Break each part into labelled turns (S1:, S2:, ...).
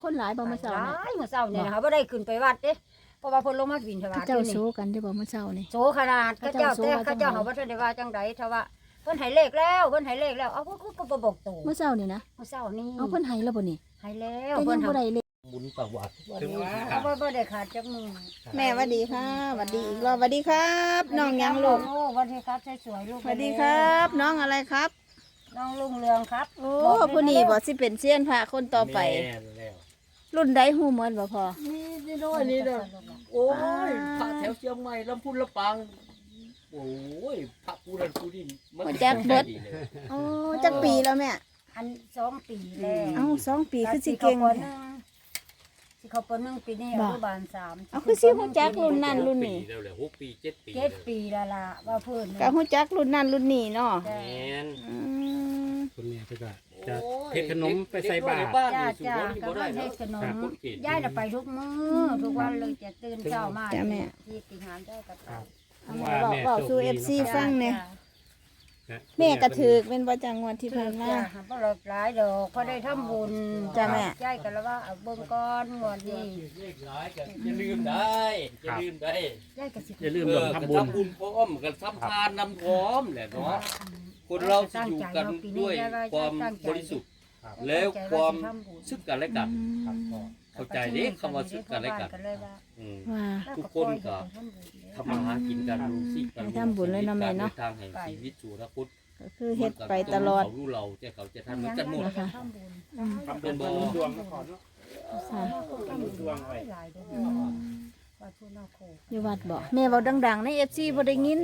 S1: คนหลายบ่มื้อเช้า
S2: ห
S1: นี่
S2: ลายมื้อเช้านี่นะคะบ่ได้ขึ้นไปวัดเด้เพราะว่าเพิ่นลงมาบิณฑบา
S1: เขา
S2: ต
S1: เจ้า
S2: นี่
S1: โซกันได้บ่มื้อเช้านี่
S2: โสขนาดเขาเจ้าแต่เขาเจ้าเฮาบ่ทันได้ว่าจังได๋ถ้าว่าเพิ่นให้เลขแล้วเพิ่นให้เลขแล้วเอาก็บ่บอกโต
S1: มื้อเช้านี่นะ
S2: มื้อเช้านี้
S1: เอาเพิ่นให้แล้วบ่นี่
S2: ให้แล้ว
S1: แต่
S2: เพิ่
S1: ยั
S2: น
S1: ง
S2: ให้
S1: บ่ได้เลย
S3: บุญประวัติถึงว่า
S2: เขาบ่ได้ขาดจักมือ
S4: แม่หวัดดีค่ะหวัดดีอีกรอบหวัดดีครับน้องยังลูก
S2: โอ้สวัสดีครับสวยๆลูก
S4: หวัดดีครับ น้องอะไรครับ
S2: น้องลุงเรืองครับ
S4: โอ้ผู้นี้บ่สิเป็นเซียนพระคนต่อไป
S3: แม่นแล้ว
S4: รุ่นใดฮู้หมดบ่พอ
S3: นี่น้อยนี่เด้อโอ้ยพระแถวเชียงใหม่ลำพูนลำปางโอ้ยพระผู้นั้นผู้นี้มัน
S4: โอ้จักปีแล้วแม่
S2: อัน2 ปีแล้ว
S4: เอ้า2 ปีคือสิเก่ง
S2: สิเขาป .1 ปีนี้อนุบาล3
S4: เอาคือสิฮู้จักรุ่นนั้นรุ่นนี้
S3: แล้วแหละ6 ปี 7 ปี
S2: 7 ปีแล้วล่ะว่าเพิ่น
S4: ก็ฮู้จักรุ่นนั้นรุ่นนี้เนาะ
S3: แม่น
S4: อืม
S5: คุณแม่ก็จะเฮ็ดขนมไปใส่บาตร
S2: จ้าจ้ากำลังเฮ็ดขนมยายน่ะไปทุกมื้อทุกวันเลยจะตื่นเช้ามาที่ติหารได้กับไป
S4: เอามาเว้าสู่ FC ฟังเนี่ยแม่ก็ถูกเป็นบ่จังงวดที่ผ่านมา
S2: จ้าบ่หลอกหลายดอกพอได้ทำบุญ
S4: จ้ะแม่
S2: ยายก็แล้วว่าเอาเบิ่งก่อนงวดนี้
S3: เลขหลายก็อย่าลืมได้อย่าลืมได้
S2: ยายก็สิ
S5: อย่าลืมลงทำบุญ
S3: ทำบุญพร้อมกันทำทานนำพร้อมแหละเนาะคนเราจะอยู่กันด้วยความบริสุทธิ์แล้วความซึ่งกันและกัน เข้าใจเด้คำว่าซึ่งกันและกันอืม
S4: ว่า
S3: ทุกคนก็ทำมาหากินกันดูสิกัน
S4: ให้ทำบุญเลยเนาะแม่เนาะ
S3: ทางแห่งชีวิตสู่อนาคต
S4: ก็คือเฮ็ดไปตลอด
S3: เขารู้เราแต่เขาจะทำเหมือนกันหมด
S4: นะคะ
S5: ทำเป็นบอลดวงก็พอเนาะ
S4: ค่ะ
S5: ดวงไว้
S4: อืมอยู่วัดบ่แม่เว้าดังๆใน FC บ่ได้ยิน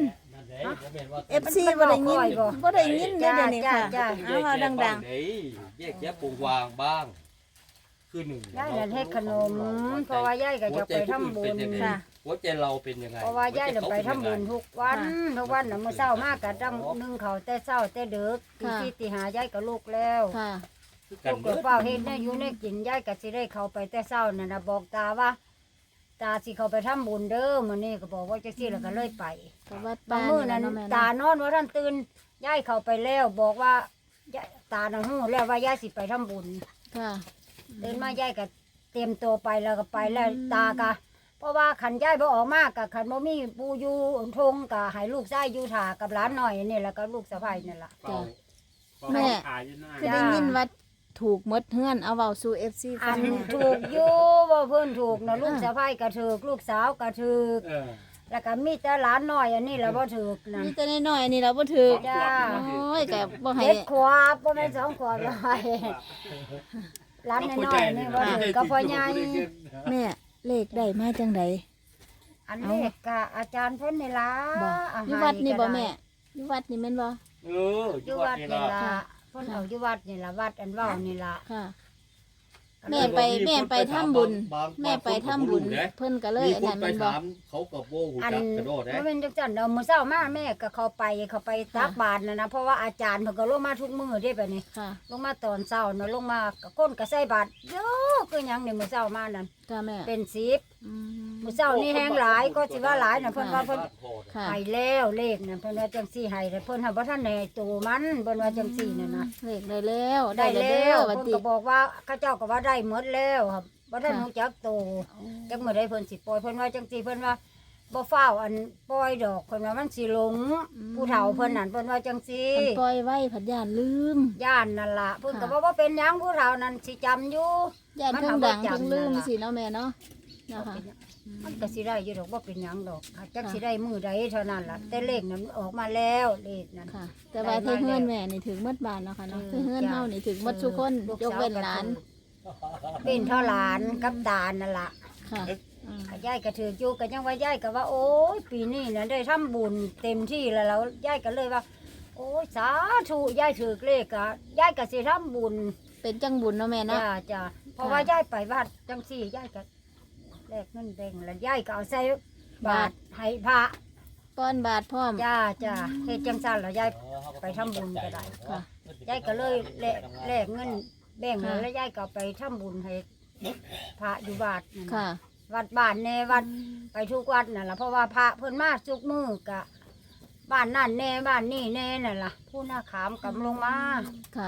S4: FC บ่ได้ยินบ่ได้ยินเด้อเดี๋ยวนี้ค่ะเอาเว้าดัง
S3: แยกแยะปงวางบ้าง คือหนึ่ง
S2: ยายนั่นเฮ็ดขนมเพราะว่ายายก็จะไปทำบุญ
S4: ค่ะ
S3: หัวใจเราเป็นยังไง
S2: เพราะว่ายายน่ะไปทำบุญทุกวันทุกวันน่ะมื้อเช้ามากก็ต้องนึ่งข้าวแต่เช้าแต่ดึกตี
S4: ค่ะ
S2: สี่ตีห้ายายก็ลุกแล้ว
S4: ค่ะ
S3: กัน
S2: ลูกก็เฝ้าเฮ็ดเนี่ยอยู่ในกินยายก็สิได้เข้าไปแต่เช้านั่นน่ะบอกตาว่า ตาสิเข้าไปทำบุญเด้อมื้อนี้ก็บอกว่าจังซี่แล้วก็เลยไป
S4: ก็วัด
S2: บา
S4: บ้าง น
S2: มื้อ
S4: นั่
S2: นั้น
S4: นเนาะแม่
S2: ตา
S4: เนาะ
S2: นอนว่าท่านตื่นยายเข้าไปแล้วบอกว่ายายตาน่ะฮู้แล้วว่ายายสิไปทำบุญ
S4: ค่ะ
S2: ตื่นมายายก็เตรียมตัวไปแล้วก็ไปแล้วตากะ เพราะว่าขันยายบ่ออกมากกะขันบ่มีปูอยู่ทงกะให้ลูกชายอยู่ถ่ากับหลานน้อยนี่แหละก็ลูกสะใภ้นี่ล่ะ
S5: เป่า
S4: แม่
S5: ขายอยู่หน้า
S4: คือได้ยินว่าถูกหมดเฮือนเอาเว้าสู่ FC
S2: อั
S4: ฟัง
S2: น
S4: แน่
S2: ถูกอยู่บ่เพิ่นถูกนะลูกสะใภ้ก็ถูกลูกสาวก็ถูก
S5: เออ
S2: แล้วก็มีแต่หลานน้อยอันนี้แหละบ่ถูกนั่น
S4: มีแต่น้อยๆนี่เราบ่ถูก
S2: จ้า
S4: โอ้ยก็บ่ให้
S2: เจ็ดขวบบ่แม่น2 ขวบเลยหลานน้อยๆนี่บ่ถูกก็พ่อใหญ่
S4: แม่เลขได้มาจังได
S2: อันนี้ก็อาจารย์เพิ่นนี่ล่ะ
S4: บ่
S2: เอา
S4: อยู่
S2: ให้
S4: วัดนี่บ่
S2: ก็ไ
S4: แม่อยู่วัดนี่แม่นบ่
S3: เออ
S2: อยู่วัดนี่ล่ะเพิ่นเอาอยู่วัดนี่ล่ะวัดอันเว้านี่ล่ะ
S4: ค่ะ แม่ไปทำบุญ แม่ไปทำบุญเพิ่นก็เลย
S3: มี
S4: อัน
S3: คน
S4: นั้น
S3: ไป
S4: แม่นบ่
S3: ถามเขากับโบหู
S2: อัน
S3: จักกระโดดได้
S2: บ่แม่นจังซั่นเด้อมื้อเช้ามาแม่ก็เข้าไปตักบาตรน่ะนะเพราะว่าอาจารย์เพิ่นก็ลงมาทุกมื้อเด้แบบนี้
S4: ค่ะ
S2: ลงมาตอนเช้าน่ะลงมาก็ก้นก็ใส่บาตรเยอะคือหยังนี่มื้อเช้ามานั่น
S4: จ้าแม่
S2: เป็น10
S4: อืม
S2: มื้อเช้านี่แฮงหลายก็สิว่าหลายน่ะเพิ่นว่าเพิ่น
S4: ค่ะ
S2: ให้แล้วเลขน่ะเพิ่นว่าจังซี่ให้แต่เพิ่นให้บ่ทันได้ให้ตัวมันเพิ่นว่าจังซี่นั่นน่ะ
S4: เลขได้แล้ว
S2: ได้
S4: ได้
S2: แล้
S4: แล้ว ว
S2: เพิ่
S4: วัน
S2: น
S4: ติ
S2: ก็บอกว่าเขาเจ้าก็ว่าได้หมดแล้วครับบ่ทันรู้จักตัว จักมื้อใดเพิ่นสิปล่อยเพิ่นว่าจังซี่เพิ่นว่าบ่ฟ้าวอันปล่อยดอกเพิ่นว่ามันสิหลงผู้เฒ่าเพิ่นนั่นเพิ่นว่าจังซี่
S4: เพิ่นปล่อยไว้ผัดย่านลืม
S2: ย่านนั่นล่ะเพิ่นก็
S4: ค่ะ
S2: บอกว่าเป็นหยังผู้เฒ่านั่นสิจำอยู่
S4: ย่าน
S2: มัน
S4: เทั้ง
S2: ทำบ่
S4: ดัง
S2: จำ
S4: เทั้งลืม
S2: นั่นล่ะ
S4: สิเนาะแม่เนาะนะคะ
S2: มันก็สิได้อยู่ดอกบ่เป็นหยังดอกจักสิได้มื้อใดเท่านั้นล่ะแต่เลขนั้นออกมาแล้วเลขนั้น
S4: ค่ะ แต่ว่าที่เฮือนแม่นี่ถึงหมดบ้านเนาะค่ะเนาะที่เฮือนเฮานี่ถึงหมดทุกคนยกเว้นหลาน
S2: เป็นเท่าหลานกับตาลนั่นล่ะ
S4: ค่ะอืม
S2: ยายก็ถืออยู่ก็ยังว่ายายก็ว่าโอ้ยปีนี้น่ะได้ทำบุญเต็มที่แล้วยายก็เลยว่า โอ้ยสาธุยายถือเลขก็ยายก็สิทำบุญ
S4: เป็นจังบุญเนาะแม่เนาะ
S2: จ้าเพราะว่ายายไปวัดจังสี่ยายก็แลกเงินแบ่งแล้วยายก็เอาใส่บาทให้พระ
S4: ป้อนบาทพร้อม
S2: จ้าเฮ็ดจังซั่นแล้วยายไปทำบุญก็ได้
S4: ค่ะ
S2: ยายก็เลยแลกเงินแบ่งแล้วยายก็ไปทำบุญให้พระอยู่วัดนั่นน่ะ
S4: ค่ะ
S2: วัดบ้านแน่วัดไปทุกวัดนั่นล่ะเพราะว่าพระเพิ่นมาทุกมื้อกะบ้านนั่นแน่บ้านนี่แน่นั่นล่ะผู้หน้าขามกำลงมา
S4: ค่ะ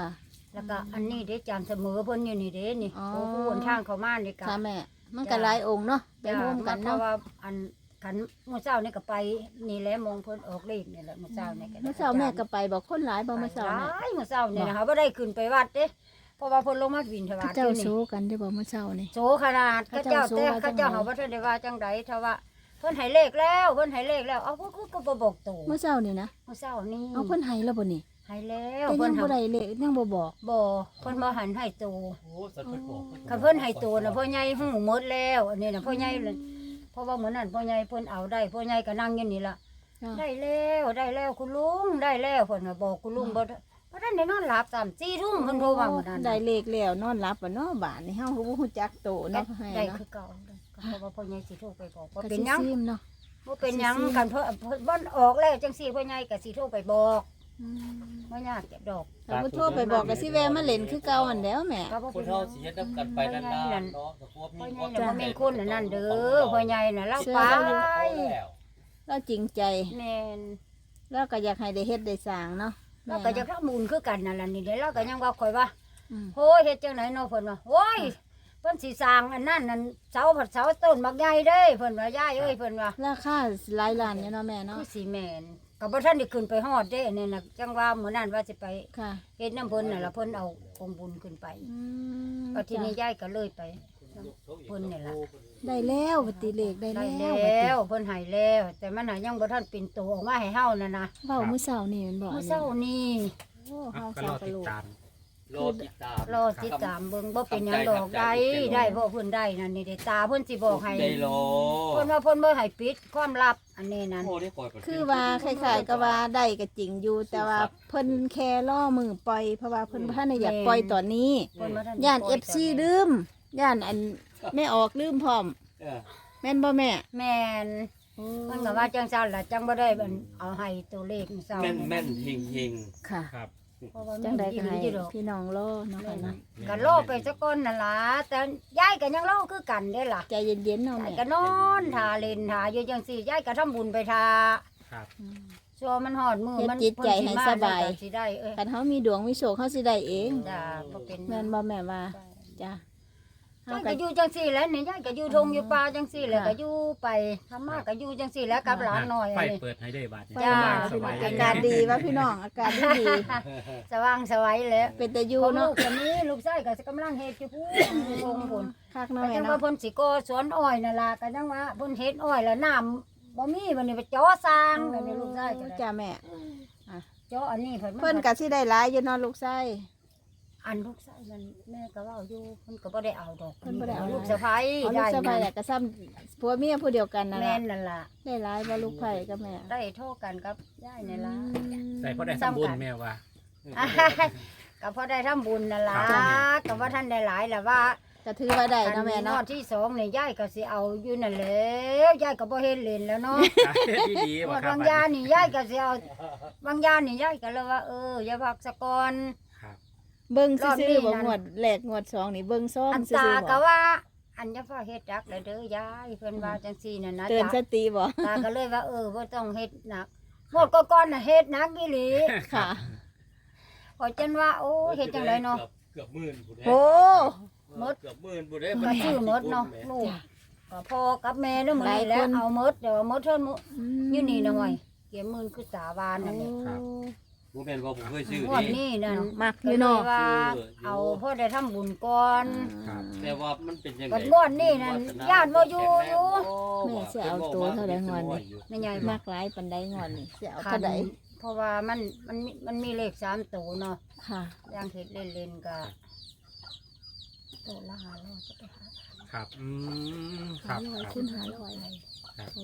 S2: แล้วก็อันนี้เด้จานเสมอเพิ่นอยู่นี่เด้นี่
S4: อ๋อ
S2: โอ้ผู้หนทางเข้ามานี่ก็
S4: ค่ะแม่มันก็หลายองค์เนาะไปร่วมกัน
S2: เพ
S4: เนาะ
S2: ราะว่าอันขันมื้อเช้านี่ก็ไปนี่แหละมองเพิ่นออกเลขนี่แหละมื้อเช้านี่ก็
S4: เมื่อเช้าแม่ก็ไปบอกคนหลายบ่เมื่อเช้า
S2: ห
S4: แม่
S2: ลายมื้อเช้านี่นะคะบ่ได้ขึ้นไปวัดเด้เพราะว่าเพิ่นลงมาบิณฑบาตอ
S4: เจ้า
S2: ยู่
S4: โซ
S2: นี่
S4: กันได้บ่เมื่อเช้านี่
S2: โสขนาดเขาเจ้าแต่เขาเจ้าเฮาบ่ทันได้ว่าจังไดถ้าว่าเพิ่นให้เลขแล้วเพิ่นให้เลขแล้วเอาก็บ่บอกโต
S4: เมื่อเช้านี่นะ
S2: มื้อเช้านี่
S4: เอาเพิ่นให้แล้วบ่นี่
S2: ให้แล้ว
S4: แต่
S2: เพิ่
S4: ยั
S2: น
S4: งบ่ได้เลขยังบ่บอก
S2: บ่เพิ่นบ่หันให้โต
S3: โอ้สัตว์ไปบอก
S2: คันเพิ่นให้โตน่ะพ่อใหญ่ฮู้หมดแล้วอันนี้น่ะพ่อใหญ่เลยเพราะว่าเหมือนนั้นพ่อใหญ่เพิ่นเอาได้พ่อใหญ่ก็นั่งอยู่นี่ล่ะ
S4: จ้ะ
S2: ได้แล้วคุณลุงได้แล้วเพิ่นน่ะบอกคุณลุงบ่ทันได้นอนหลับ3 4ทุ่มเพิ่นโทรมาหมดนั้น
S4: ได้เลขแล้วนอนหลับบ่เนาะบาดนี่เฮาก็บ่ฮู้จักโตเนาะให้
S2: ได้
S4: เนาะ
S2: คือเก่าเพราะว่าพ่อใหญ่สิโทรไปบอกว่า
S4: ก็
S2: เป็น
S4: สิ
S2: หยัง
S4: ซิมเนาะ
S2: บ่เป็นหยังกันเพิ่นบ่ออกแล้วจังซี่พ่อใหญ่ก็สิโทรไปบอก
S4: อืม
S2: บ่ยากเก็บดอก
S4: ถ้าบ่โทรไปบอกก็สิแวะมาเล่นคือเก่าหั่นแหล้วแม่
S2: ก็บ่
S3: ค
S2: เป็น นห
S3: เฮา
S2: ยัง
S3: สิเฮ็ดนำกันไปนานๆเนาะกับพวก
S2: พ่อ
S3: มี
S2: ใหญ่
S3: ความ
S2: น่ะบ่แม่นคนอันนั้นเด้อพ่อใหญ่น่ะเราไป
S3: แล้ว
S4: เราจริงใจ
S2: แม่น
S4: เราก็อยากให้ได้เฮ็ดได้สร้างเนาะ
S2: เราก็จะทำบุญคือกันนั่นล่ะนี่เด้เราก็ยังว่าข่อยว่า
S4: อืม
S2: โหเฮ็ดจังไหนเนาะเพิ่นว่าโอ้ยเพิ่นสิสร้างอันนั้นนั่นเสาผัดเสาต้นบักใหญ่เด้เพิ่นว่ายายเอ้ยเพิ่นว่า
S4: ราคาหลายล้านอยู่เนาะแม่เนาะ
S2: คือสิแม่นก็บ่ทันได้ขึ้นไปฮอดเด้นี่น่ะจังว่ามื้อนั้นว่าสิไป
S4: ค่ะ
S2: เฮ็ดน้ำเพิ่นน่ะล่ะเพิ่นเอากองบุญขึ้นไป
S4: อืม
S2: ก็ทีนี้ยายก็เลยไปเพิ่นนี่ล่ะ
S4: ได้แล้วปฏิเลขได้
S2: ได้
S4: แล้ว
S2: แล้วเพิ่นให้แล้ว แต่มันหายังบ่ทันเป็นตัวออกมาให้เฮานั่นนะ
S4: เว้ามื้อเช้านี่แม่นบ่
S2: เมื่อเช้านี้
S4: โอ้เฮา
S5: ก็
S4: ส
S5: ร
S4: ร้า
S5: อง
S4: กระ
S5: ติด
S4: โหลก
S5: ตาม
S3: รอติดตาม
S2: รอติดตามเบิ่งบ่เป็นหยังดอกได้เพราะเพิ่นได้นั่นนี่ได้ตาเพิ่นสิบอกให้
S3: ใจรอ
S2: เพิ่นว่าเพิ่นบ่ให้ปิดความลับอันนี้นั่น
S3: โอ้ได้ปล่อยไป
S4: คือว่าคล้ายๆก็ว่าได้ก็จริงอยู่ แต่ว่าเพิ่นแค่ล่อมือปล่อยเพราะว่าเพิ่นบ่ทันได้อยากปล่อยตอนนี้
S2: เพิ่นบ่ทัน
S4: ย่าน
S2: ปล่ย
S4: FC ลืมย่านอันแม่ออกลืมพร้อม
S3: เออ
S4: แม่นบ่แม่
S2: แม่นเพิ่นก็ว่าจังซั่นล่ะจังบ่ได้เอาให้ตัวเลขเช้า
S3: แม่นแม่นเฮงเฮง
S4: ค่ะ
S5: ครับ
S2: เพราะว่า
S4: จังได๋ก็
S2: มัน
S4: ให้
S2: อยู่ดอก
S4: พี่น้องรอเนาะค่ะนะ
S2: ก็รอไปซะก่อนนั่นล่ะแต่ยายก็ยังรอคือกันเด้ล่ะ
S4: ใจเย็นๆเนาะ
S2: ยาย
S4: แม่
S2: ก็นอนท่าเล่นท่าอยู่จังซี่ยายก็ทำบุญไปท่า
S5: ครับ
S4: อืม
S2: ชัวมันหอดมือ
S4: เฮ็ด
S2: มัน
S4: จิตใจให้สบาย
S2: เพิ่นสิมาแล้วก็สิได้เอ้ย
S4: คันเฮามีดวงมีโชคเฮาสิได้เอง
S2: จ้าบ่เป็น
S4: แม่นบ่แม่ว่าจ้ะเฮาย
S2: าย
S4: ก็
S2: ก็อยู่จังซี่แหล้วนี่ยายก็อยู่ทงอยู่ป่าจังซี่แหล้ว
S4: ค่ะ
S2: ก็อยู่ไปทำมาก็อยู่จังซี่แหล้วกับหลานน้อย
S5: ไฟ
S2: อันนี้
S5: เปิดให้ได้บาดนี้
S2: จ้า
S5: สบาย
S4: อากาศดีว่าพี่น้องอากาศดี
S2: สว่างสวัยแหล้ว
S4: เป็นแต่อยู่
S2: ลู
S4: เนาะ
S2: กก็มีลูกชายก็กำลังเฮ็ดอยู่พู้นอยู่ทงพุ่น
S4: คัก
S2: ก็
S4: เนาะแม่
S2: จังว่า
S4: เนาะ
S2: เพิ่นสิก่อสวนอ้อยนั่นล่ะก็จังว่าเพิ่นเฮ็ดอ้อยแล้วน้ำบ่มีบัดนี้ไปเจาะสร้างแล้วนี่ลูกชายก็ได้
S4: จ้าแม่
S2: เจาะอันนี้เพิ่น
S4: เพิ่นก็สิได้หลายอยู่เนาะลูกชาย
S2: อันลูกชายมันแม่ก็เว้าอยู่เพิ่นก็บ่ได้เอาดอก
S4: เพิ่นบ่ได้เอา
S2: ลูกสะใภ้
S4: เอาลูกสะใภ้แหละก็ซ้ำผัวเมียผู้เดียวกันนั่น
S2: แม่
S4: ล่ะ
S2: นนั่นล่ะ
S4: ได้หลายบ่ลูกไผกับแม่
S2: ได้โทษกันกับยายนี่ล่ะ
S5: แต่พอได้ทำบุญแม่ว่า
S2: ก็พอได้ทำบุญนั่นล่ะ
S5: ครับ
S2: ก็ว่าท่านได้หลายแหละว่า
S4: ก็ถือว่าได้เนาะแม่
S2: น
S4: เนาะ
S2: อดที่2นี่ยายก็สิเอาอยู่นั่นแหล้วยายก็บ่เฮ็ดเล่นแล้วเนาะ
S5: ดีดี
S2: ง
S5: ว่าว
S2: ด
S5: ครับ
S2: บาง
S5: บาด
S2: ยา
S5: นี้
S2: นี่ยายก็สิเอาบางยานี่ยายก็เลยว่าอย่าพักสะก่อน
S5: ครับ
S4: เบิ่งซื่อ
S2: รอบนี้
S4: ๆบ่
S2: นั่น
S4: งวดแรกงวดสองนี่เบิ่งซ้อม
S2: อัน
S4: ซื่
S2: ตา
S4: อๆ
S2: ก็
S4: บ่
S2: ว่า อันจะพาเฮ็ดจักแล้วเด้อยายเพิ่นว่าจังซี่นั่นนะ
S4: เตือนส
S2: จ๊ะ
S4: ติบ่
S2: ตาก็เลยว่าบ่ต้องเฮ็ดหนักหมดก่อนๆน่ะเฮ็ดหนักอีหลี
S4: ค่ะ
S2: พอจนว่าโอ้เฮ็ดจังไดเนาะ
S3: เกือบหมื่นบุได้
S4: โอ้
S2: หมด
S3: เกือบหมื่นบุได้
S2: ก็ชื่อหมดเนาะลูกก็พ่อกับแม่นำมื้อนี้แหล้วเอาหมดเดี๋ยวหมดเท่ามื้ออยู่นี่นะห่วยเก็บมื่นคือสาบานนั่นนี่
S3: บ่แม่นว่าผมเคยซื้อง
S2: วด
S3: นี่
S2: นี้นั่น
S4: มักอ
S2: ก็
S4: ยู่
S2: เลย
S4: เนาะ
S2: ว่าเอาพ่อได้ทำบุญก่อน
S5: ครับ
S3: แต่ว่ามันเป็นจังได๋
S2: บัดงวดนี้นั่นญาติบ่อยู่อยู่
S4: แม่สิเอาตัวเท่าใดงวดนี้
S2: แม่ใหญ่
S4: มักหลายปานใดงอนนี่สิเอา
S2: คั
S4: เท่าน ใด
S2: เพราะว่ามันมีเลข3ตัวเนาะ
S4: ค่ะ
S2: อย่างเฮ็ดเล่นๆก็ตัวละ500ก็ไปหา
S5: ครับครับ
S4: 500
S5: ครับ
S4: คูณ500
S5: ครับ
S4: โอ้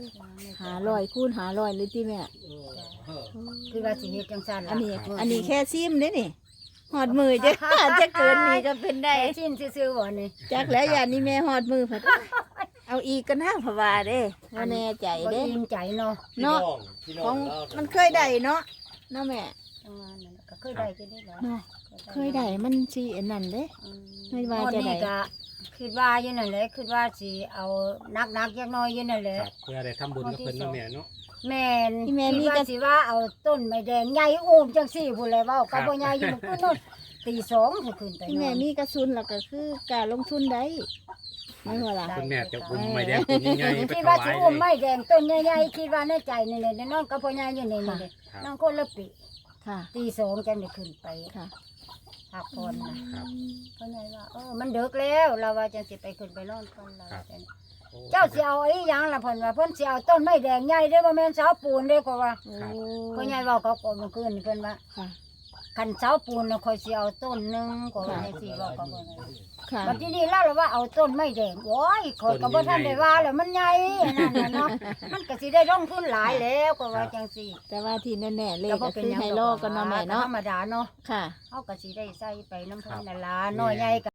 S4: 500คูณ500เลยติแม่
S2: คือว่าสิเฮ็ดจังซั่นล่ะ
S4: อันนี้แค่ซิมเด้นี่หอดมือจะ จะเกินนี่ก็เป็นได้
S2: ได้ชิ้นซื่อๆบ่นี่
S4: จักแล้วอย่างนี้แม่หอดมือผัดเอาอีกก็น่าผวาเด้ว่าแน่ใจ
S2: บ่
S4: เด้
S2: อิ่มใจเนาะ
S4: เนาะของมันเคยได้เนาะเนาะแม่
S2: จังว่านั่นก็เคยได้จังได๋ล่ะ
S4: เนาะเคยได้มันสิอันนั้นเด้ ไม่ว่าจะได้
S2: งนี้ก็คิดว่าอยู่นั่นแหละคิดว่าสิเอานักๆจักหน่อยอยู่นั่นแหละ
S5: ครับเพื่อได้ทำบุญกับเพิ่นเนาะแม่เนาะ
S2: แม่น
S4: ที่แม่มี
S2: คิด
S4: ก็
S2: ว่าสิว่าเอาต้นไม้แดงใหญ่โอ้มจังซี่พุ่นแหละเว้าก็บ่ใหญ่อยู่มันก็นู่นตีสองสิขึ้นไป
S4: ที่
S2: น
S4: แม่
S2: อน
S4: มีกระสุนแล้วก็คือการลงทุนได้ไม่ว่าล่ะ
S5: คุณแม่จะอุ้มไม้แดงตัวนี้ไงไป
S2: คิด
S5: ถ
S2: ว่า
S5: วา
S2: สิ
S5: ย
S2: อุ้ม
S5: เล
S2: ไม้
S5: ย
S2: แดงต้นใหญ่ๆคิดว่าในใจนี่ๆน้องกับพ่อใหญ่อยู่นี่นี่
S5: ครับ
S2: น้องคนละปี
S4: ค่ะ
S2: ตีสองจังได้ขึ้นไป
S4: ค่ะ
S2: พักผ่อนนะ
S5: ครับ
S2: พ่อใหญ่ว่ามันดึกแล้วเราว่าจังสิไปขึ้นไปนอนก่อนเรา
S5: ครับ
S2: จัง
S5: โอ้
S2: เจ้าสิเอาไอ้หยังล่ะเพิ่นว่าเพิ่นสิเอาต้นไม้แดงใหญ่เด้อบ่แม่นเสาปูนเด้อก็ว่า
S4: โอ้
S2: พ่อใหญ่เว้ากับกบเมื่อคืนนี่เพิ่นว่า
S4: ค่ะ
S2: คันเสาปูนน่ะค่อยสิเอาต้นหนึงก็ว่าจังซี่เว้ากับเพิ่น
S4: ค่ะ
S2: บัดทีนี้เราเลยว่าเอาต้นไม้แดงโอ้ยข่อยก็บ่ทันได้ว่าแล้วมันใหญ่อันนั่นน่ะเนาะมันก็สิได้ลงทุนหลายแล้วก็ว่าจังซี่
S4: แต่ว่าที่แน่ๆเลข
S2: แล้ว
S4: ก็
S2: บ่เป็น
S4: คือ
S2: หยัง
S4: ไฮ
S2: ด
S4: โล
S2: อก
S4: ก็เนาะแม่เนาะ
S2: ธรรมดาเนาะ
S4: ค่ะ
S2: เฮาก็สิได้ใส่ไปน้ำเพิ่นนั่นล่ะน้อยใหญ่ก็